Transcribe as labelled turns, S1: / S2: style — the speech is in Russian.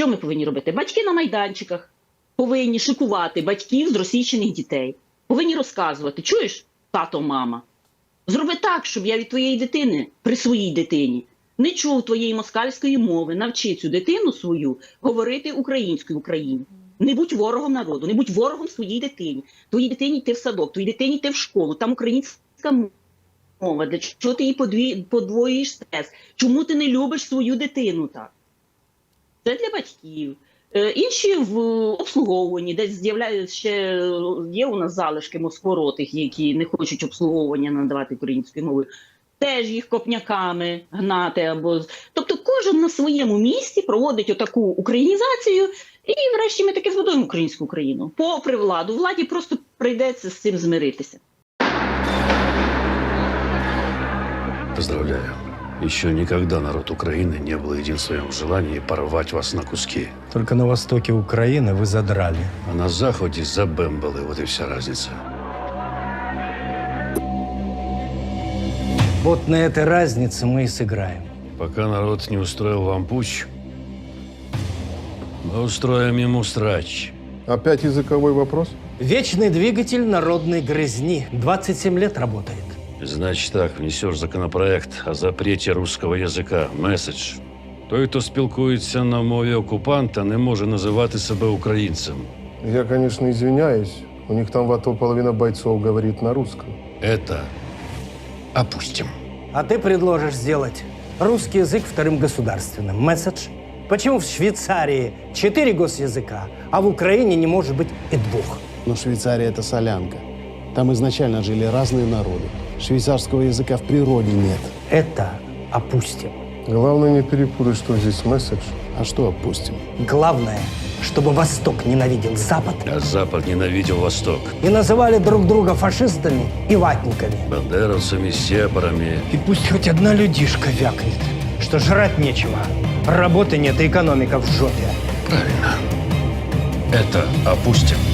S1: Що ми повинні робити? Батьки на майданчиках повинні шикувати батьків з російщених дітей. Повинні розказувати, чуєш, тато, мама, зроби так, щоб я від твоєї дитини, при своїй дитині, не чув твоєї москальської мови, навчи цю дитину свою говорити українською в Україні. Не будь ворогом народу, не будь ворогом своїй дитині. Твоїй дитині йти в садок, твоїй дитині йти в школу, там українська мова. Для чого ти її подвоюєш стрес? Чому ти не любиш свою дитину так? Це для батьків. Інші в обслуговуванні, десь з'являються ще, є у нас залишки москворотих, які не хочуть обслуговування надавати українською мовою. Теж їх копняками гнати або. Тобто кожен на своєму місці проводить отаку українізацію, і врешті ми таки збудуємо українську Україну. Попри владу. Владі просто прийдеться з цим змиритися.
S2: Поздравляю. Еще никогда народ Украины не был един в своем желании порвать вас на куски.
S3: Только на востоке Украины вы задрали.
S2: А на Заходе забэмбалы, вот и вся разница.
S3: Вот на этой разнице мы и сыграем.
S2: Пока народ не устроил вам путч, мы устроим ему срач.
S4: Опять языковой вопрос?
S3: Вечный двигатель народной грызни. 27 лет работает.
S2: Значит так, внесешь законопроект о запрете русского язика. Меседж. Той, хто спілкується на мові окупанта, не може називати себе українцем.
S4: Я, конечно, извиняюсь. У них там в АТО половина бойцов говорит на русском.
S2: Это опустим.
S3: А ты предложишь сделать русский язык вторым государственным. Месседж. Почему в Швейцарии 4 госязыка, а в Украине не может быть и 2?
S5: Но Швейцария – это солянка. Там изначально жили разные народы. Швейцарского языка в природе нет.
S3: Это опустим.
S4: Главное не перепутать, что здесь месседж.
S5: А что опустим?
S3: Главное, чтобы Восток ненавидел Запад
S2: А Запад ненавидел Восток.
S3: и называли друг друга фашистами и ватниками.
S2: Бандеровцами, сепарами.
S3: И пусть хоть одна людишка вякнет, что жрать нечего, работы нет и экономика в жопе.
S2: Правильно. Это опустим.